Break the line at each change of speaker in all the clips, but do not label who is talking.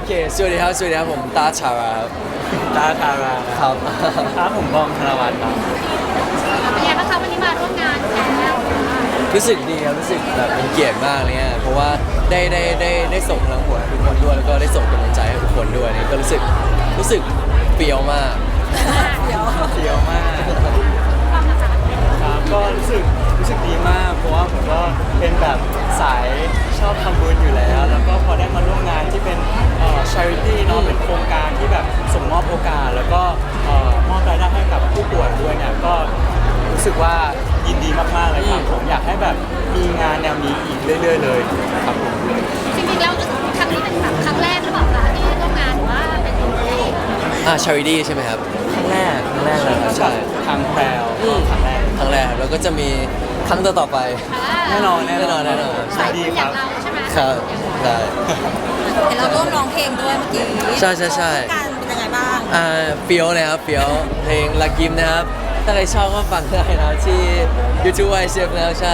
เคสวัสดีครับผมตาชาราครับ
ตาทารา
ครับ
ครับผมบอมธนวัฒน์ครับ
เป็นไงบ้างคะวันนี้มาร่วมงานแล้ว
รู้สึกดีครับรู้สึกแบบเป็นเกียรติมากเลยเนี่ยเพราะว่าได้ส่งพลังบวกให้ทุกคนด้วยแล้วก็ได้ส่งกำลังใจให้ทุกคนด้วยเนี่ยก็รู้สึกเปรี้ยวมาก
เฟี้ยวมาก
ความนะคะ
ครับก็รู้สึกดีมาก เพราะว่าผมก็เป็นแบบสายชอบทำบุญอยู่แล้ว แล้วก็พอได้มาร่วมงานที่เป็นcharity เนาะเป็นโครงการที่แบบส่งมอบโอกาส แล้วก็มอบรายได้ให้กับผู้ป่วยด้วยเนี่ยก็รู้สึกว่ายินดีมากๆเลยครับผมอยากให้แบบมีงานแนวนี้อีกเรื่อยๆเลยครับผม
จริงๆแล้วครั้งนี้เป็นแบบครั้งแรกหรือเปล่าคะที่ร่วมงานหรือว่าเป็นครั้งแรก
charity ใช่ไหมครับ
ครั้งแรกเลยครับ
ใช่
ทางแพรวก็ครั้งแรก
ครั้งแรกครับแล้วก็จะมีครั้งต่อๆไป
แน่นอน
แน่นอน
สายบุ
ดี
ญ
ค
อ
รั
ย่า
บ
งเราใช่ไหม
ครับใช่
เห็นเราร่วมร้องเพลงด้วยเมื่อกี้
ใช่
การเป็นยังไงบ้าง
เฟี้ยวนะครับเฟี้ยวเพลงลักกิมนะครับถ้าใครชอบก็ฟังได้นะที่ YouTube y c f แล้วใช่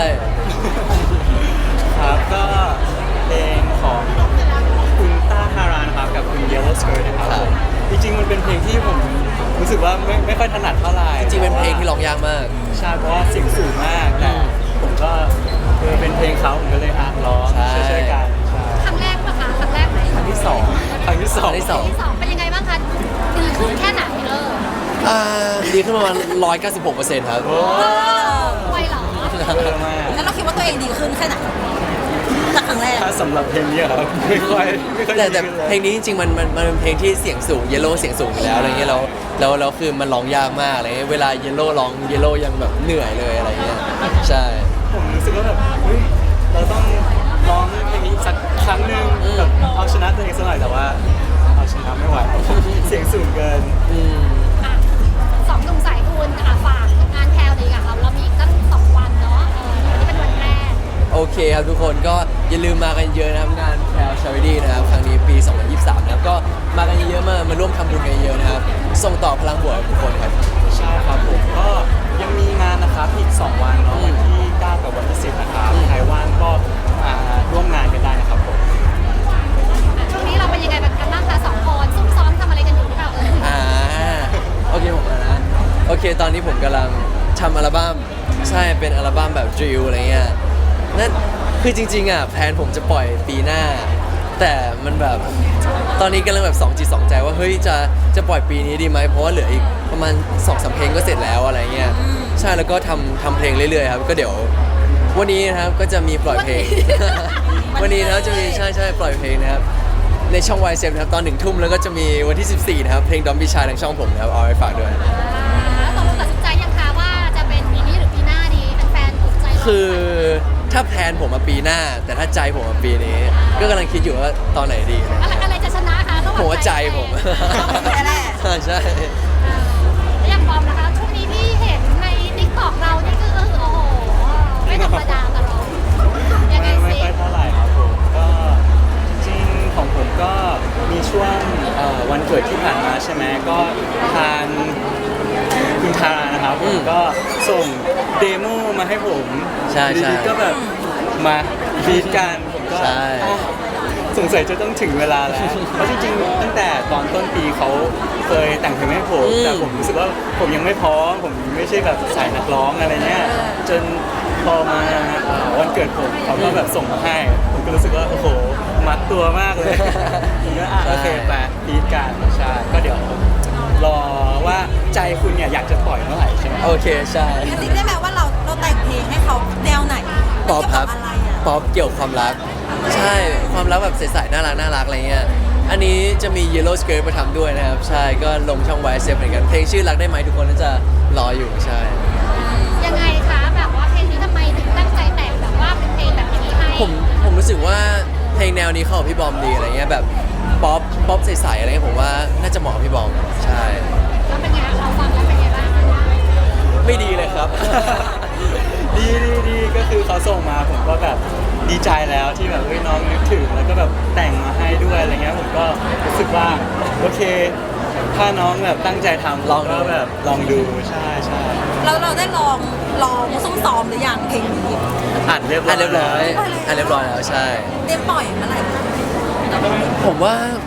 ครับก็เพลงของคุณต้าฮารานะครับกับคุณ Yellow Skirt นะครับ
ครับ
จริงๆมันเป็นเพลงที่ผมรู้สึกว่าไม่ค่อยถนัดเท่าไหร่
จริงๆเป็นเพลงที่ร้องยากมาก
ใช่เพราะว่าเสียงสูงมากแต่ผมก็เป็นเพลงเขาผมก็เลยร้อง
ใช่
ช่วยๆกันใช่
ครั้งแรกปะคะครั้งแรกไหม
ครั้งที่สอง
ครั้งที่สอง
ที่สองเป็นยังไงบ้างคะดีขึ้นแค่ไหน
ดีขึ้นประมาณ196%ครับ
โอ้
ไวเหรอ
เยอะมาก
แล้วเราคิดว่าตัวเองดีขึ้นแค่ไหนจากครั้งแรก
ถ้าสำหรับเพลงนี้ครับไม่ค่อย
แต่
ดีขึ้นเลย
เพลงนี้จริงๆมันเป็นเพลงที่เสียงสูงเยลโล่เสียงสูงอยู่แล้วอะไรเงี้ยแล้วคือมันร้องยากมากอะไรเงี้ยเวลาเยลโล่ร้องเยลโล่ยังแบบเหนื่อยเลยอะไรเงี้ยใช่
ผมรู้สึกว่าแบบเฮ้ยเราต้องร้องเพลงนี้สักครั้งหนึ่งแบบเอาชนะตัวเองสักหน่อยแต่ว่าเอาชนะไม่ไหว เสียงสูงเกิน
อ่ะสองหนุ่มสายบุญฝากงานแพลวเลยค่ะเรามีอีกตั้ง2 วันเนาะวันนี้เป็นวันแรก
โอเคครับทุกคนก็อย่าลืมมากันเยอะนะครับงานแพลชาริตี้นะครับครั้งนี้ปี 2023นะครับก็มากันเยอะๆมาร่วมทำบุญกันเยอะนะครับส่งต่อพลังบวกให้ทุกคนครับ
ใช่ครับผมก็ยังมีงานนะครับอีก 2 วันเนาะวันที่ 9 กับวันที่ 10 นะครับใครว่างก็มาร่วมงานกันได้นะครับผม
ช่วงนี้เราเป็นยังไงกันบ้างคะ2 คนซุ่มซ้อมทำอะไรกันอยู่หรือเปล่า
โอเคผมนะโอเคตอนนี้ผมกำลังทำอัลบั้มใช่เป็นอัลบั้มแบบดริลอะไรเงี้ยนั่นคือจริงๆแพลนผมจะปล่อยปีหน้า แต่มันแบบตอนนี้กำลังแบบ2 จิต 2 ใจว่าเฮ้ยจะปล่อยปีนี้ดีไหมเพราะว่าเหลืออีกประมาณ 2-3 เพลงก็เสร็จแล้วอะไรเงี้ยใช่แล้วก็ทำเพลงเรื่อยๆครับก็เดี๋ยววันนี้นะครับก็จะมีปล่อยเพลง วันนี้นะครับจะมีใช่ปล่อยเพลงนะครับในช่อง y ซนะครับตอน 1 ทุ่มแล้วก็จะมีวันที่ 14 นะครับเพลงดอมบิชาทางช่องผมนะครับเอาไว้ฝากด้วย
ตกลงตัดสินใจยังคะว่าจะเป็นปีนี้หรือปีหน้าดีแฟนๆถูกใจ
คือถ้าแพลนผมมาปีหน้า แต่ถ้าใจผมมาปีนี้ ก็กำลังคิดอยู่ว่าตอนไหนดีนะ
อะไรจะชนะคะระหว่าง
ผมว่าใจผม
แน่
ใช่
แล้วอย่างบอมนะคะช่วงนี้ที่เห็นในติ๊กต็อกเรานี่คือโอ้โหไม่ธรรมดาตลอดยังไง
ไม่
สิ
ค่อยเท่าไหร่ครับผมก็จริงๆของผมก็มีช่วงวันเกิดที่ผ่านมาใช่ไหมก็ทางคุณทารานะครับผมก็ส่งเดโมมาให้ผม
ใช่
ดีๆก็แบบมาฟีดกันผมก็
ใช่
อ่ะสงสัยจะต้องถึงเวลาแล้ว เพราะจริงๆตั้งแต่ตอนต้นปีเขาเคยแต่งเพลงให้ผมแต่ผมรู้สึกว่าผมยังไม่พร้อมผมไม่ใช่แบบสายนักร้องอะไรเงี้ยจนพอมาวันเกิดผมเขาก็แบบส่งมาให้ ผมก็รู้สึกว่าโอ้โหมัดตัวมากเลย ผมก็โอเคไปฟีดกันใช่ก็เดี๋ยวรอว่าใจคุณเนี่ยอยากจะปล่อยเมื่อไหร่ใช่ไหม
โอเคใช่
กระซิบได้ไหมว่าเราแต่งเพลงให้เขาแนวไหน
ป๊อปครับ
เกี่ยวกัอะไรอ่ะ
ป๊อปเกี่ยวกับความรัก ใช่ความรักแบบใสๆน่ารักอะไรเงี้ยอันนี้จะมี Yellow Skirt มาทำด้วยนะครับ ใช่ก็ลงช่อง y ซเหมือนกันเพลงชื่อรักได้ไหมทุกคนน่าจะรออยู่ใช่
ยังไงคะแบบว่าเพลงนี้ทำไมถึงตั้งใจแต่งแบบว่าเป็นเพลงแบบนี้ให้
ผมรู้สึกว่าเพลงแนวนี้เข้ากับพี่บอมดีอะไรเงี้ยแบบป๊อปใสๆอะไรเงี้ยผมว่าน่าจะเหมาะกับพี่บอมใช่
แล้วเป็นไงเราฟังแล้วเป็นไงบ้าง
ไม่ดีเลยครับ
ดีก็คือเขาส่งมาผมก็แบบดีใจแล้วที่แบบเฮ้ยน้องนึกถึงแล้วก็แบบแต่งมาให้ด้วยอะไรเงี้ยผมก็รู้สึกว่าโอเค ถ้าน้องแบบตั้งใจทำ
ลองดู
ก็แบบลองดูใช่ใช่
เราได้ลองซุ่มซ้อมหรือยังเพลงนี้
อ่านเรียบร้อย
เรียบร้อยแล้วใช่
เตรียมปล่อยเมื่อไหร่
ผมว่า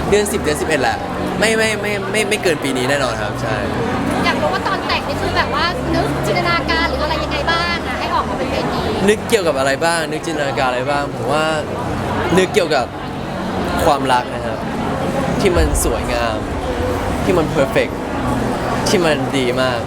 เดือน 10 เดือน 11แหละไม่เกินปีนี้แน่นอนครับใช่
อยากรู้ว่าตอนแต่งนี่คือแบบว่านึกจินตนาการหรืออะไรยังไงบ้างอะให้ออกมาเป็นเพลงนี้
นึกเกี่ยวกับอะไรบ้าง นึกจินตนาการอะไรบ้างผมว่านึกเกี่ยวกับความรักนะครับ ที่มันสวยงาม ที่มันเพอร์เฟกที่มันดีมาก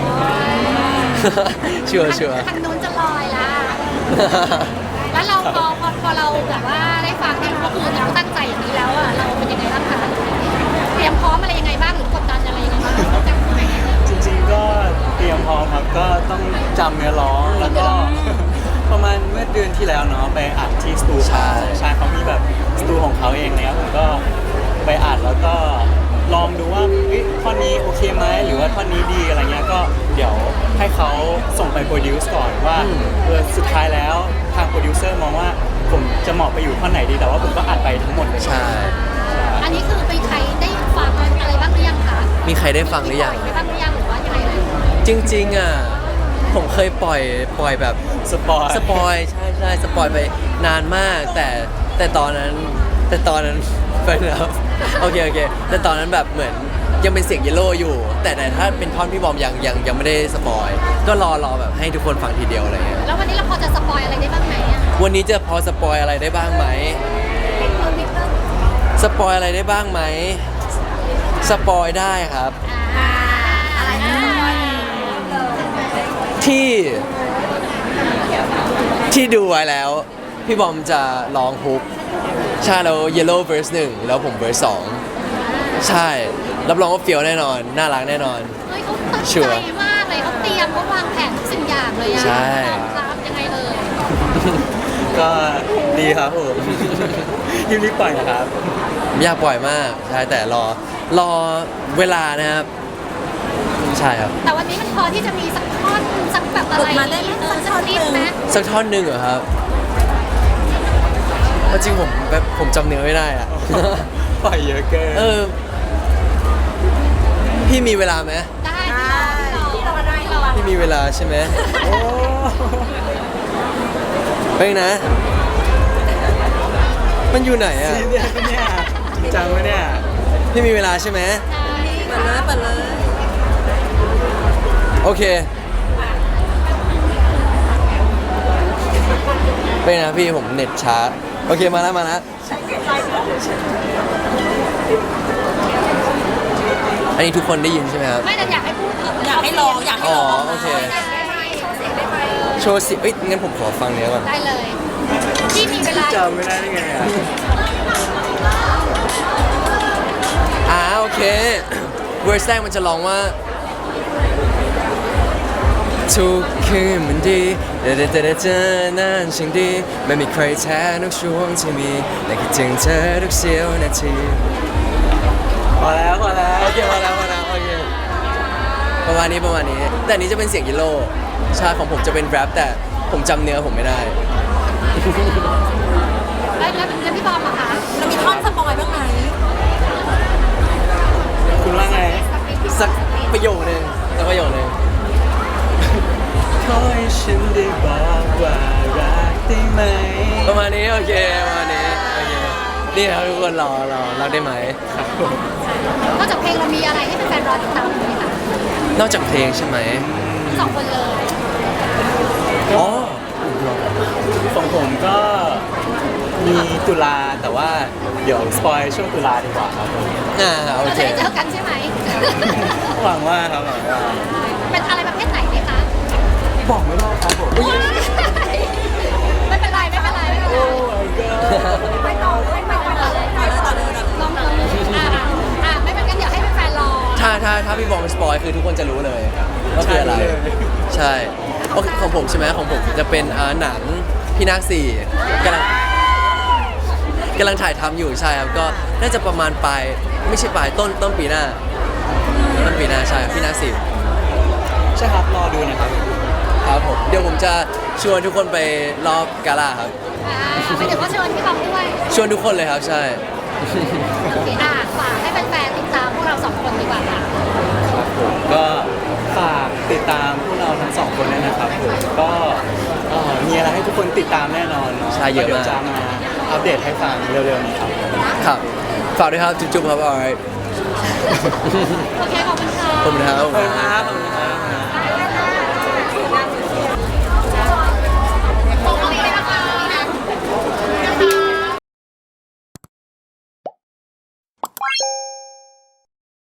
ชัวร์
ทางนู้นจะลอยละ แล้วเราพอเราแบบว่าได้ฟังเนี่ยก็คือเราตั้งใจอย่างนี้แล้วอะเราเป็นยังไงบ้างคะเตรียมพร้อมอะไรยังไงบ้างหรือกดดันอะไรยังไงบ้าง
จริงๆก็เตรียมพร้อมครับก็ต้องจำเนื้อร้องแล้วก็ ประมาณเมื่อเดือนที่แล้วเนาะไปอัดที่สตู
ใช่
ใช่เขามีแบบสตูของเขาเองเนี่ยผมก็ไปอัดแล้วก็ลองดูว่าเฮ้ยท่อนนี้โอเคไหมหรือว่าท่อนนี้ดีอะไรเงี้ยก็เดี๋ยวให้เขาส่งไปโปรดิวซ์ก่อนว่าสุดท้ายแล้วทางโปรดิวเซอร์มองว่าผมจะเหมาะไปอยู่ท่อนไหนดีแต่ว่าผมก็อัดไปทั้งหมดเลย
ใช่
อันนี้คือไปใช้ได้ฟังอะไรบ้างหรือยังคะ
มีใครได้ฟังหรือยัง
ไปบ้างหรือยังหรือว่ายังไงเลย
จริงๆอ่ะผมเคยปล่อยแบบ
สปอย
สปอยใช่สปอยไปนานมาก แต่ตอนนั้นไปนะครับโอเคแต่ตอนนั้นแบบเหมือนยังเป็นเสียงเยลโล่อยู่ แต่ถ้าเป็นท่อนพี่บอมยังไม่ได้สปอยก็รอแบบให้ทุกคนฟังทีเดียวอะไรเงี้ย
แล้ววันนี้เราพอจะสปอยอะไรได้บ้างไหมอะ
วันนี้จะพอสปอยอะไรได้บ้างไหมสปอยอะไรได้บ้างไหมสปอยได้ครับ
อะไรนะ
ที่ดูไว้แล้ว พี่บอมจะร้องฮุกใช่แล้ว Yellow verse 1 แล้วผม verse 2 ใช่รับรองว่าเฟี้ยวแน่นอน น่ารักแน่นอน
เฮ้ยเขาตั้ง
ชัว
ใจ
ร์
มากเลยเขาเตรียมเขาวางแผนทุกสิ่งอย่างเลยอะ
ใช่
ครับยังไงเลย
ก็ดีครับผมรีบปล่อยนะครับ
ไม่อยากปล่อยมากใช่แต่รอเวลานะครับ ใช่ครับ
แต่วันนี้มันพอที่จะมีสักท่อนสักแบบอะไร
มาได้ไหมสักท่อนหนึ่ง
ไหม
สักท่อนหนึ่งเหรอครับเอาจริงผมจำเนื้อไม่ได้อะ
ปล่อยเยอะเกิน
พี่มีเวลาไหม
ได้ที่เราได้เรา
พี่มีเวลาใช่ไหม
โอ้
เป็นนะ มันอยู่ไหนอ่ะ
ซีเรียสปะเนี่ยจริงจังปะเนี่ย
พี่มีเวลาใช่ไหม
เปิดเลย
โอเคเป็นนะพี่ผมเน็ตช้าโอเคมาแล้วอันนี้ทุกคนได้ยินใช่ไหมครับ
ไม่แต่อยากให้พูด
อยากให้ลองอยากให้ลอง
อ๋อโอเค โชว์สิงั้นผมขอฟังเนี้ยก่อน
ได้เลยที่มีเวลา
จำไม่ได้ได้ไงอ่ะ
โอเคเวอร์สแรกมันจะร้องว่าทุกคืนมันดีแต่เจอนั้นช่างดีไม่มีใครแท้ทุกช่วงที่มีและคิดถึงเธอทุกเสี้ยวนาที
พอแล้ว
โอเคพอแล้วโอเคประมาณนี้แต่อันนี้จะเป็นเสียงยิโลใช่ของผมจะเป็นแรปแต่ผมจำเนื้อผมไม่ได้
แล้วพี่บอมอะคะ
เรามีท่อนสปอยบ้างไหม
คุณว่าไง
สักประโยคนึง
ขอให้ฉันได้บอกว่ารักได้ไหม
ประมาณนี้โอเคนี่ครับทุกคนรอรักได้ไหม
ครับผม
นอกจากเพลงเรามีอะไรให้แฟนๆรอติดตามไหมคะ
นอกจากเพลงใช่ไหม
ทั้งสองคนเลย
อ๋อ
ของผมก็มีตุลาแต่ว่าเดี๋ยวสปอยช่วงตุลาดีกว่าครับผม
โอ
เรา
เค
จะได้เจอกันใช่ไหม
หวังว่าครับหวังว่า
เป็นอะไรประเภทไหนไหมคะ
บอกไม่ได้ครับผม
ไม่เป็นไร
โอ้ my god
ไม่ต่อเลยลองไม่เป็นกันเดี๋ยวให้แฟนๆรอ
ถ้าพี่บอมสปอยคือทุกคนจะรู้เลยว่าคืออะไร ใช่โอเคของผมใช่ไหมของผมจะเป็นหนังพี่นาคสี่กำลังถ่ายทำอยู่ใช่ครับก็น่าจะประมาณปลายไม่ใช่ปลายต้นปีหน้าใช่พี่นาคสี่
ใช่ครับรอดูนะครับ
ครับผมเดี๋ยวผมจะชวนทุกคนไปรอบกาล่าครับ
ไม่เดี๋ยวก็เชิญพี่บอมด้วย
ชวนทุกคนเลยครับใช่
โอเคฝากให้แฟนๆติดตามพวกเราสองคนดีกว่าค่ะ
ครับผมก็ฝากติดตามพวกเราทั้งสองคนด้วยนะครับผมก็มีอะไรให้ทุกคนติดตามแน่นอนเนาะ
ใช่เยอะมาก
ดี๋วจะมาอัปเดตให้ฟังเร็วๆนี้ครับ
ครับ
โ
ฝากด้วยครับจุ๊บๆครับ alright
โอเคขอบคุณค่ะ
ขอบคุณครับ
ขอบคุณครับ